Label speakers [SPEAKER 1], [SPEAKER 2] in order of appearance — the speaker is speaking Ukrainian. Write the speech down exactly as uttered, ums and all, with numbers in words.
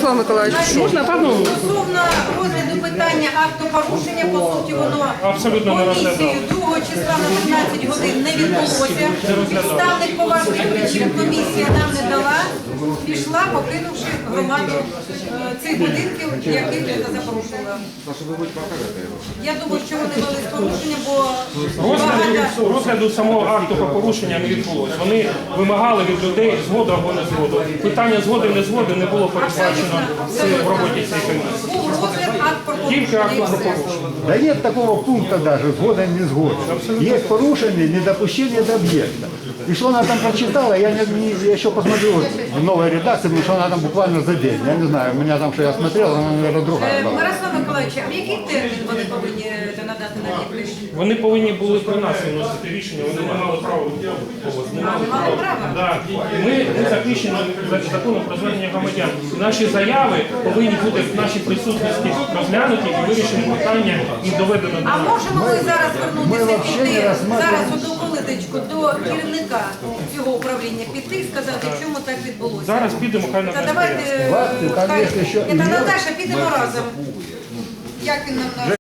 [SPEAKER 1] Мирослав Миколаївич, можна пану?
[SPEAKER 2] Стосовно розгляду питання акту порушення, по суті, воно
[SPEAKER 3] Абсолютно не
[SPEAKER 2] комісією
[SPEAKER 3] розглядав.
[SPEAKER 2] другого числа на п'ятнадцять годин не відбулося. Підставних поважних причин комісія нам не дала, пішла, покинувши громаду е, цих будинків, яких вона запорушила. Я думаю, що вони вели з порушення, бо багато...
[SPEAKER 3] Розгляду, розгляду самого акту про порушення не відбулося. Вони вимагали від людей згоду або не згоду. Питання згоди не згоди не було передбачено в роботі цієї комісії.
[SPEAKER 2] Був розгляд акт про
[SPEAKER 3] Тільки акт про
[SPEAKER 2] порушення.
[SPEAKER 3] порушення.
[SPEAKER 4] Да нет такого пункта даже, сгода не сгода. Есть порушение, недопущение до объекта. И что она там прочитала, я, не, не, я еще посмотрю в новой редакции, потому что она там буквально за день. Я не знаю, у меня там, что я смотрел, она, наверное, другая
[SPEAKER 2] Е,
[SPEAKER 4] была.
[SPEAKER 2] Мирослав Миколаївич, а в який термін вони повинні е, надати на підпис?
[SPEAKER 3] Вони повинні були при нас виносити рішення, вони не мали права відповідати. Не мали
[SPEAKER 2] не мали
[SPEAKER 3] права.
[SPEAKER 2] права?
[SPEAKER 3] Да. Ми, ми захищені за законом про звернення громадян. Наші заяви повинні бути в нашій присутності розглянуті і вирішені питання і доведено до
[SPEAKER 2] А
[SPEAKER 3] нас.
[SPEAKER 2] можемо ми зараз
[SPEAKER 4] ми
[SPEAKER 2] звернутися
[SPEAKER 4] вообще не
[SPEAKER 2] піти,
[SPEAKER 4] розглядаємо.
[SPEAKER 2] зараз одну хвилиночку до керівника цього управління піти і сказати, чому так відбулося?
[SPEAKER 3] Зараз підемо, хай нас
[SPEAKER 2] Та
[SPEAKER 3] не
[SPEAKER 2] давайте,
[SPEAKER 4] Ладно, там
[SPEAKER 2] хай,
[SPEAKER 4] якщо що-
[SPEAKER 2] Це Наташа, підемо разом. Як він нам